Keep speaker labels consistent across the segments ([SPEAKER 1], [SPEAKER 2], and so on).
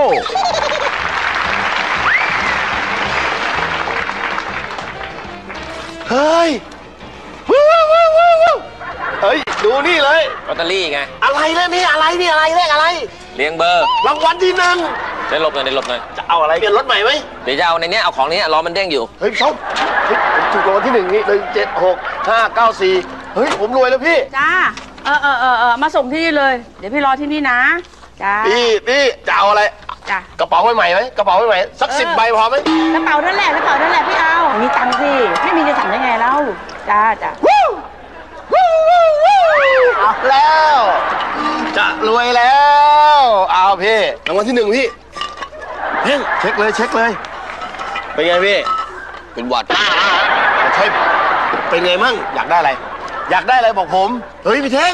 [SPEAKER 1] เฮ้ยว้าวเฮ้ยดูนี่เลย
[SPEAKER 2] ลอตเตอรี่ไง
[SPEAKER 1] อะไรแล้วนี่อะไรนี่อะไรเลขอะไร
[SPEAKER 2] เลี้ยงเบอร์
[SPEAKER 1] รางวัลที่หนึ่ง
[SPEAKER 2] ได้ลบหน่อยได้ลบหน่อย
[SPEAKER 1] จะเอาอะไรเปลี่ยนรถใหม่ไหม
[SPEAKER 2] เดี๋ยวจะเอาในนี้เอาของนี้ล้อมันเด้งอยู่
[SPEAKER 1] เฮ้ยชอบเฮ้ยผมถูกรางวัลที่หนึ่งนี่176 594เฮ้ยผมรวยแล้วพี่
[SPEAKER 3] จ้ามาส่งที่นี่เลยเดี๋ยวพี่รอที่นี่นะจ้า
[SPEAKER 1] พี่จะเอาอะไร
[SPEAKER 3] จ้าก
[SPEAKER 1] ระเป๋าใหม่ไหมกระเป๋าใหม่สัก10 ใบพอไหม
[SPEAKER 3] กระเป๋านั่นแหละพี่เอามีตังค์สิไม่มีจะสั่งได้ไงเล่าจ้า
[SPEAKER 1] เอาแล้วจะรวยแล้วเอาพี่รางวัลที่หนึ่งพี่เฮ้ยเช็คเลยเป็นไงพี่
[SPEAKER 2] เป็นหวัด
[SPEAKER 1] ใช่เป็นไงมั่งอยากได้อะไรบอกผมเฮ้ยพี่เท่ง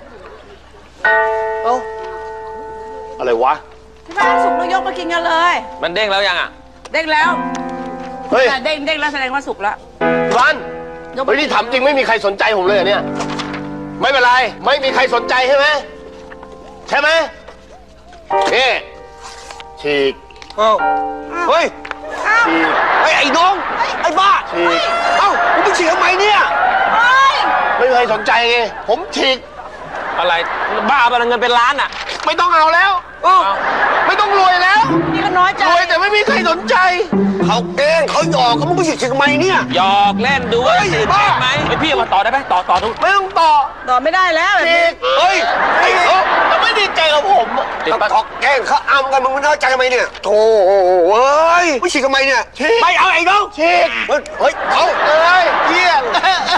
[SPEAKER 1] เอ้าอะไรวะ
[SPEAKER 3] ที่บ้านสุกนกยกมากินกันเลย
[SPEAKER 2] มันเด้งแล้วยังอ่ะ
[SPEAKER 3] เด้งแล้ว
[SPEAKER 1] เฮ้ย
[SPEAKER 3] เด้งแล้วแสดงว่าสุกแล้ว
[SPEAKER 1] วันเฮ้ยนี่ถามจริงไม่มีใครสนใจผมเลยเนี่ยไม่เป็นไรไม่มีใครสนใจใช่ไหมนี่ฉีก
[SPEAKER 4] เฮ้ย
[SPEAKER 1] ฉีก
[SPEAKER 4] ไอ้น้องไอ้บ้า
[SPEAKER 1] ฉีก
[SPEAKER 4] เอ้ามึงไปฉีกทำไมเนี่ย
[SPEAKER 1] ไม่มีใครสนใจไงผมฉีก
[SPEAKER 2] อะไรบ้าไปเงินเป็นล้านอ่ะ
[SPEAKER 1] ไม่ต้องเอาแล้วไม่ต้องรวยแล้ว
[SPEAKER 3] นี่ก็น้อยใจ
[SPEAKER 1] รวยแต่ไม่มีใครสนใจ
[SPEAKER 4] เขาเองเขาหยอกเขามึงไปฉีกทำไมเนี่ย
[SPEAKER 2] หยอกเล่นดูบ้าไหมไอพี่มาต่อได้ไหมต่อทุก
[SPEAKER 1] ไม่ต้องต่อ
[SPEAKER 3] ไม่ได้แล้วแบบนี้
[SPEAKER 1] เฮ้ยจะไม่ดีใจกับผม
[SPEAKER 4] เขาแกล้งเขาอ้ำกันมึงไม่เข้าใจทำไมเนี่ยโธ่เฮ้ยไม่ฉีกทำไมเนี่ยไม่เอาไอ้น้อง
[SPEAKER 1] ฉีก
[SPEAKER 4] เฮ้ยเอา
[SPEAKER 1] เลยเยี่ยง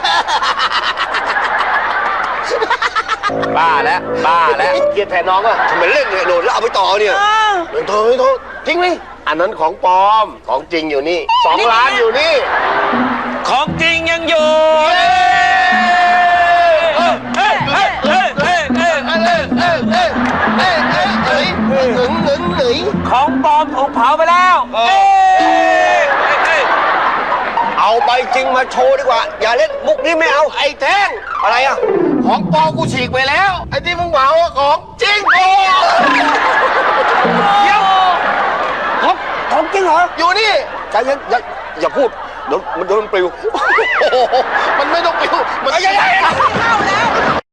[SPEAKER 2] บ้าแล้ว
[SPEAKER 1] เกลียดแทนน้องอ่ะ
[SPEAKER 4] ทำไมเล่นเนี่ยโดดแล้วเอาไปต่อเนี่ย
[SPEAKER 1] ไม่โทษจริงไหมอันนั้นของปลอมของจริงอยู่นี่2 ล้านอยู่นี่
[SPEAKER 2] ของจริงยังอยู่ของปลอมถูกเผาไปแล้ว
[SPEAKER 4] เอาใบจริงมาโชว์ดีกว่าอย่าเล่นมุกนี้ไม่เอา
[SPEAKER 1] ไอ้แท่ง
[SPEAKER 4] อะไรอ่ะ
[SPEAKER 1] ของปลอมกูฉีกไปแล้วไอ้ที่มึงเผาของจริงโอ้
[SPEAKER 4] เดี๋ยวของจริงเหรอ
[SPEAKER 1] อยู่นี่
[SPEAKER 4] ใจเย็นอย่าพูดเดี๋ยวมันโดนปลิว
[SPEAKER 1] มันไม่ต้องปลิวมัน
[SPEAKER 4] ใหญ่